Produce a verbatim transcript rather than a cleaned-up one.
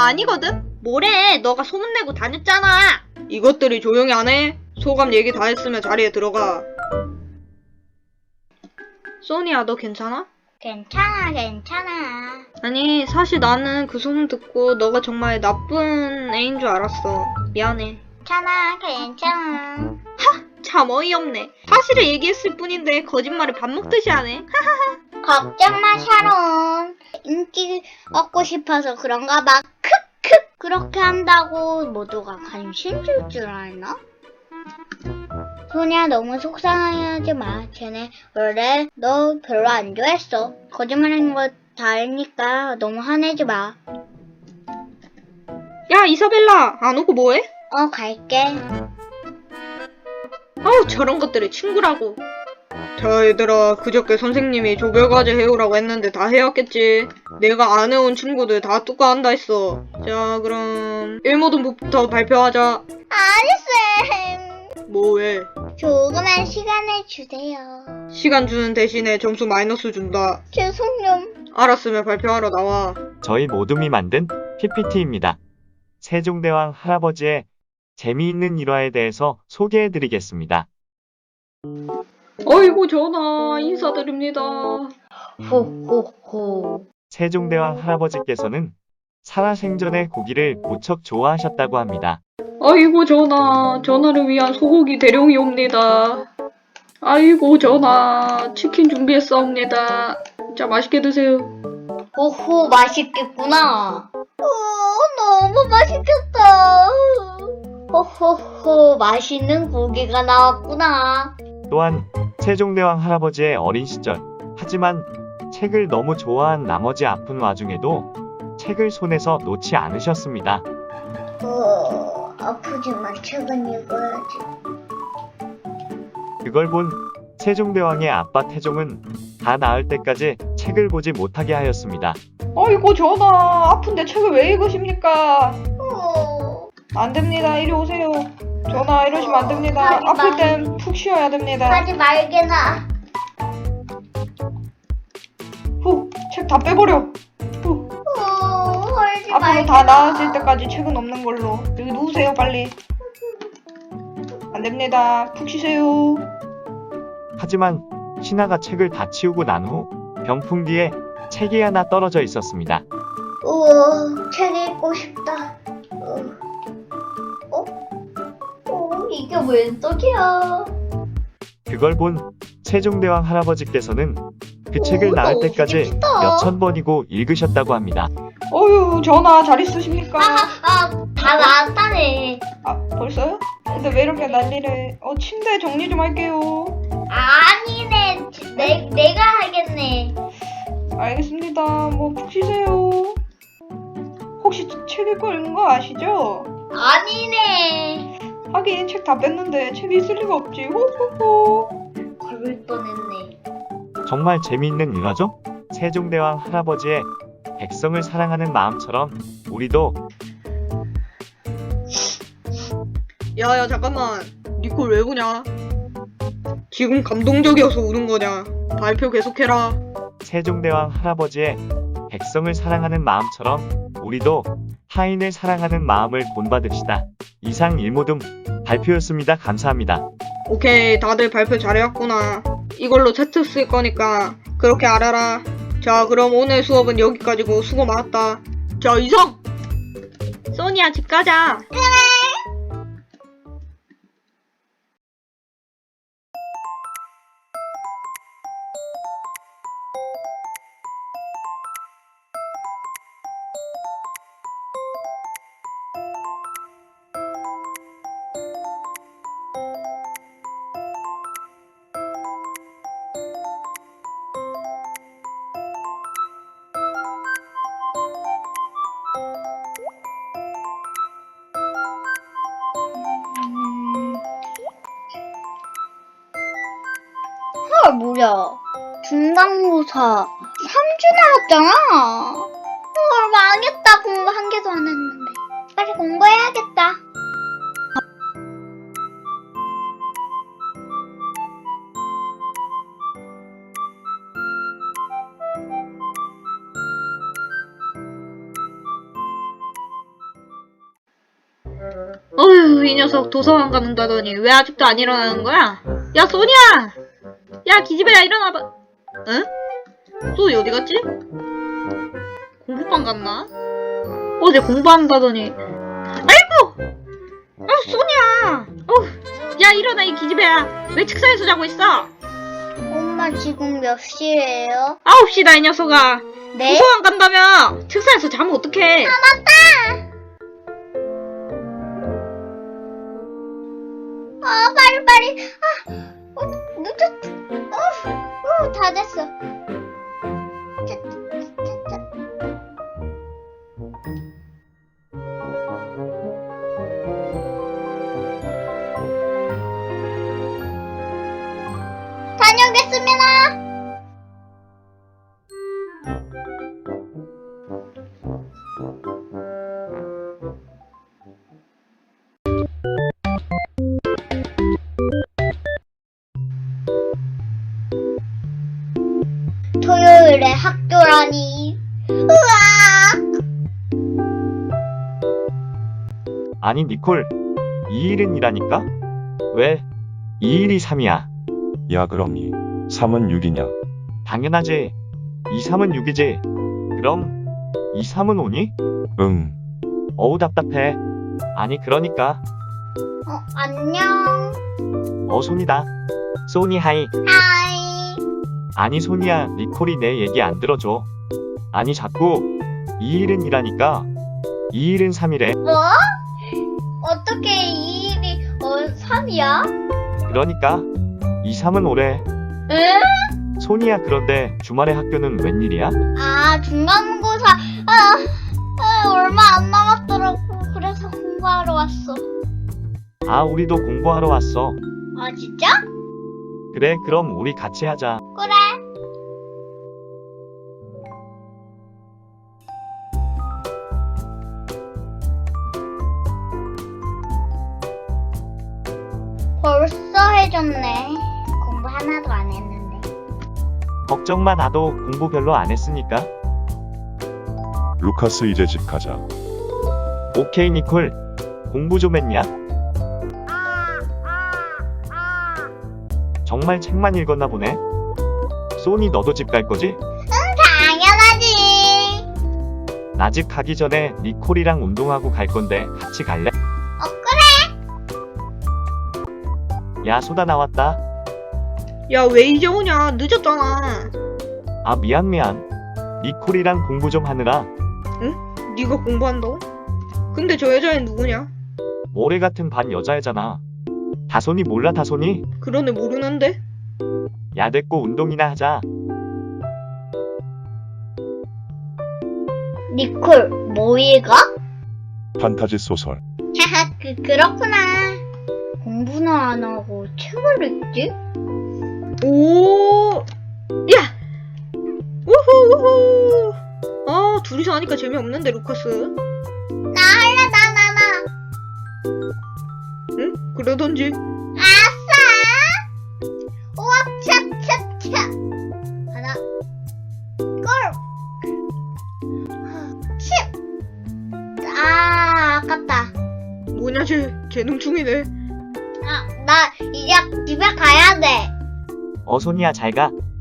아니거든? 뭐래, 너가 소문내고 다녔잖아. 이것들이 조용히 안 해? 소감 얘기 다 했으면 자리에 들어가. 소니야, 너 괜찮아? 괜찮아, 괜찮아. 아니, 사실 나는 그 소문 듣고 너가 정말 나쁜 애인 줄 알았어. 미안해. 괜찮아, 괜찮아. 참 어이없네. 사실을 얘기했을 뿐인데 거짓말을 밥 먹듯이 하네. 걱정 마, 샤론. 인기 얻고 싶어서 그런가 봐. 크크. 그렇게 한다고 모두가 관심 줄 줄 알나? 소니야, 너무 속상해하지 마. 쟤네 원래 너 별로 안 좋아했어. 거짓말하는 거 다 알니까 너무 화내지 마. 야, 이사벨라, 안 오고 뭐해? 어, 갈게. 아우, 저런 것들이 친구라고. 자, 얘들아, 그저께 선생님이 조별과제 해오라고 했는데 다 해왔겠지. 내가 안 해온 친구들 다 뚜까 한다 했어. 자, 그럼 일모등부터 발표하자. 아니, 쌤. 뭐 왜? 조그만 시간을 주세요. 시간 주는 대신에 점수 마이너스 준다. 죄송요. 알았으면 발표하러 나와. 저희 모둠이 만든 피피티입니다. 세종대왕 할아버지의 재미있는 일화에 대해서 소개해드리겠습니다. 어이구, 전하, 인사드립니다. 호호호. 세종대왕 할아버지께서는 살아생전에 고기를 무척 좋아하셨다고 합니다. 아이고, 전하, 전하를 위한 소고기 대령이 옵니다. 아이고, 전하, 치킨 준비했사옵니다. 자, 맛있게 드세요. 호호, 맛있겠구나. 오, 너무 맛있겠다. 호호호, 맛있는 고기가 나왔구나. 또한 세종대왕 할아버지의 어린 시절, 하지만 책을 너무 좋아한 나머지 아픈 와중에도 책을 손에서 놓지 않으셨습니다. 어, 아프지만 책은 읽어야지. 그걸 본 세종대왕의 아빠 태종은 다 나을 때까지 책을 보지 못하게 하였습니다. 아이고, 전하, 아픈데 책을 왜 읽으십니까? 어, 안 됩니다. 이리 오세요. 전하, 이러시면 안 됩니다. 하지 아플 마. 땐 푹 쉬어야 됩니다. 하지 말게나. 후, 책 다 빼버려. 후, 어, 하지 앞으로 말게나. 다 나아질 때까지 책은 없는 걸로. 여기 누우세요, 빨리. 안 됩니다. 푹 쉬세요. 하지만 신하가 책을 다 치우고 난 후 병풍 뒤에 책이 하나 떨어져 있었습니다. 우와, 책 읽고 싶다. 어? 어? 어, 이게 웬 떡이야? 그걸 본 세종대왕 할아버지께서는 그 오, 책을 나을 너무 때까지 재밌다. 몇천 번이고 읽으셨다고 합니다. 어휴, 전하, 잘 있으십니까? 아, 다 나왔다네. 아, 벌써요? 근데 왜 이렇게 난리를. 어, 침대 정리 좀 할게요. 아니네, 내, 내가 하겠네. 알겠습니다. 뭐, 푹 쉬세요. 혹시 책 읽고 읽는 거 아시죠? 아니네. 하긴 책 다 뺐는데 책이 있을 리가 없지. 호호호. 걸을 뻔했네. 정말 재미있는 일화죠? 세종대왕 할아버지의 백성을 사랑하는 마음처럼 우리도 야야, 잠깐만. 니콜 왜 우냐? 지금 감동적이어서 우는 거냐? 발표 계속해라. 세종대왕 할아버지의 백성을 사랑하는 마음처럼 우리도 타인을 사랑하는 마음을 본받읍시다. 이상 일모둠 발표였습니다. 감사합니다. 오케이, 다들 발표 잘해왔구나. 이걸로 세트 쓸 거니까 그렇게 알아라. 자, 그럼 오늘 수업은 여기까지고 수고 많았다. 자, 이성! 소니야, 집 가자. 아, 뭐야. 중간고사 삼 주 남았잖아. 헐, 망했다. 공부 한 개도 안 했는데. 빨리 공부해야겠다. 이 녀석 도서관 간다더니 왜 아직도 안 일어나는 거야? 야, 소니야! 야, 기집애야, 일어나봐. 응? 소니 어디 갔지? 공부방 갔나? 어제 공부한다더니. 아이고! 어, 소니야! 어, 야, 일어나, 이 기집애야. 왜 책상에서 자고 있어? 엄마 지금 몇 시예요? 아홉 시다, 이 녀석아. 네? 도서관 간다며. 책상에서 자면 어떡해? 아 맞다! 아 빨리 빨리. 아 어, 늦었. 어, 어, 다 됐어. 자, 자, 자. 다녀오겠습니다. 토요일에 학교라니. 으악! 아니 니콜, 이 일은 이라니까? 왜? 이 일이 삼이야. 야 그럼 이 삼은 육이냐? 당연하지. 이, 삼은 육이지. 그럼 이, 삼은 오니? 응. 어우 답답해. 아니 그러니까 어, 안녕. 어 손이다. 소니 하이. 하이. 아니 소니야, 니콜이 내 얘기 안 들어줘. 아니 자꾸 이 일은 이라니까. 이 일은 삼이래. 뭐? 어떻게 이 일이 어, 삼이야? 그러니까 이, 삼은 오래. 응? 소니야 그런데 주말에 학교는 웬일이야? 아, 중간고사. 아, 아, 얼마 안 남았더라고. 그래서 공부하러 왔어. 아 우리도 공부하러 왔어. 아, 진짜? 그래 그럼 우리 같이 하자. 그래. 벌써 해줬네. 공부 하나도 안 했는데. 걱정 마, 나도 공부 별로 안 했으니까. 루카스 이제 집 가자. 오케이 니콜, 공부 좀 했냐? 정말 책만 읽었나 보네. 소니 너도 집 갈 거지? 당연하지. 나 집 가기 전에 니콜이랑 운동하고 갈 건데 같이 갈래? 어, 그래. 야 소다 나왔다. 야, 왜 이제 오냐? 늦었잖아. 아 미안 미안. 니콜이랑 공부 좀 하느라. 네가 공부한다고? 근데 저 여자애 누구냐? 모래 같은 반 여자애잖아. 다손이 몰라 다손이? 그런 애 모르는데? 야 됐고 운동이나 하자. 니콜, 뭐 읽어? 판타지 소설. 하하, 그, 그렇구나. 공부는 안 하고 책을 읽지? 오, 야! 우후, 우후! 아, 둘이서 하니까 재미없는데, 루카스. 나 할래, 나, 나, 나. 응? 그러던지. 아싸! 우와, 차, 차, 차. 하나, 골! 칩! 아, 아깝다. 뭐냐, 쟤. 재능충이네. 아, 나 이제 집에 가야 돼. 어 소니야 잘 가.